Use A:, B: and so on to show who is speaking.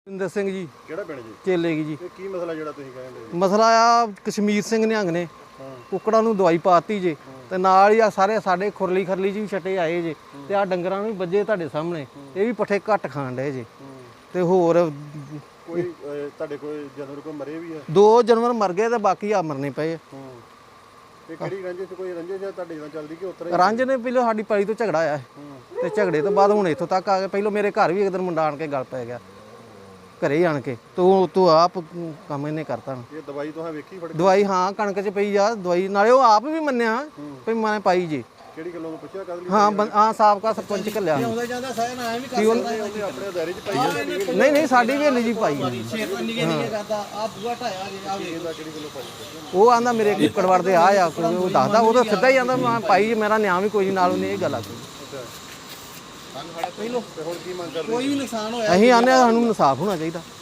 A: ਇੰਦਰ ਸਿੰਘ ਜੀ
B: ਕਿਹੜਾ ਪਿੰਡ ਜੀ?
A: ਚੇਲੇ ਕੀ ਜੀ।
B: ਇਹ ਕੀ ਮਸਲਾ ਜਿਹੜਾ ਤੁਸੀਂ ਕਹਿੰਦੇ?
A: ਮਸਲਾ ਆ ਕਸ਼ਮੀਰ ਸਿੰਘ ਨਿਹੰਗ ਨੇ ਕੁੱਕੜਾਂ ਨੂੰ ਦਵਾਈ ਪਾਤੀ ਜੇ ਤੇ ਨਾਲ ਹੀ ਆ ਸਾਰੇ ਸਾਡੇ ਖੁਰਲੀ ਖਰਲੀ ਜੀ ਵੀ ਛੱਟੇ ਆਏ ਜੇ ਤੇ ਆ ਡੰਗਰਾਂ ਨੂੰ ਵੀ ਵੱਜੇ ਤੁਹਾਡੇ ਸਾਹਮਣੇ। ਇਹ ਵੀ ਪੱਠੇ ਘੱਟ ਖਾਣ ਡਏ ਜੇ ਤੇ ਹੋਰ
B: ਕੋਈ ਤੁਹਾਡੇ ਕੋਈ ਜਾਨਵਰ ਕੋਈ ਮਰੇ ਵੀ ਆ?
A: 2 ਜਾਨਵਰ ਮਰ ਗਏ ਤੇ ਬਾਕੀ ਆ ਮਰਨੇ ਪਏ।
B: ਤੇ ਕਿਹੜੀ ਰੰਜਿਸ਼ ਕੋਈ ਰੰਜਿਸ਼ ਜਾਂ ਤੁਹਾਡੇ ਨਾਲ ਚੱਲਦੀ ਕਿ ਉਤਰਾ
A: ਰੰਜ ਨੇ ਪਹਿਲਾਂ ਸਾਡੀ ਪਾਈ ਤੋਂ ਝਗੜਾ ਆਇਆ ਤੇ ਝਗੜੇ ਤੋਂ ਬਾਅਦ ਹੁਣ ਇੱਥੋਂ ਤੱਕ ਆ ਗਏ। ਪਹਿਲਾਂ ਮੇਰੇ ਘਰ ਵੀ ਇੱਕ ਦਿਨ ਮੁੰਡਾ ਆਣ ਕੇ ਗੱਲ ਪੈ ਗਿਆ ਘਰੇ ਆਣ ਕੇ ਤੂੰ ਆਪ ਕੰਮ ਇਹਨੇ ਕਰਤਾ।
B: ਇਹ ਦਵਾਈ ਤੁਸੀਂ ਵੇਖੀ ਫੜ ਕੇ?
A: ਦਵਾਈ ਹਾਂ ਕਣਕ 'ਚ ਪਈ ਆ ਦਵਾਈ, ਨਾਲੇ ਉਹ ਆਪ ਵੀ ਮੰਨਿਆ ਵੀ ਮੈਂ ਪਾਈ ਜੇ।
B: ਕਿਹੜੀ ਗੱਲੋਂ ਪੁੱਛਿਆ ਕਦ ਲਈ?
A: ਹਾਂ ਸਾਬਕਾ ਸਰਪੰਚ ਘੱਲਿਆ
B: ਆਉਂਦਾ ਜਾਂਦਾ ਸਾਇਨ ਆਇਆ ਵੀ ਕਰ ਸਕਦਾ ਉਹਨੇ ਆਪਣੇ ਦਾਇਰੇ 'ਚ ਪਾਈ ਆ।
A: ਨਹੀਂ ਸਾਡੀ ਵੀ ਹਲੀ ਜੀ ਪਾਈ
C: ਕਰਦਾ ਆ ਬੂਆ ਢਾਇਆ ਜੀ ਆ ਵੇਖ
B: ਇਹਦਾ ਕਿਹੜੀ ਗੱਲੋਂ ਪਾਈ?
A: ਉਹ ਆਂਦਾ ਮੇਰੇ ਕੁੱਕੜ ਵੜਦੇ ਆ ਉਹ ਦੱਸਦਾ ਉਹ ਤਾਂ ਸਿੱਧਾ ਹੀ ਆਂਦਾ ਮੈਂ ਪਾਈ ਜੀ, ਮੇਰਾ ਨਿਆਂ ਵੀ ਕੋਈ ਨਹੀਂ ਨਾਲ ਉਹਨੇ ਇਹ ਗੱਲ ਆਖੀ।
B: ਤੇ ਹੁਣ ਕੀ ਮੰਗ ਕਰਦੇ?
C: ਕੋਈ ਵੀ ਨੁਕਸਾਨ ਹੋਇਆ
A: ਅਸੀਂ ਆਨੇ ਸਾਨੂੰ ਇਨਸਾਫ ਹੋਣਾ ਚਾਹੀਦਾ।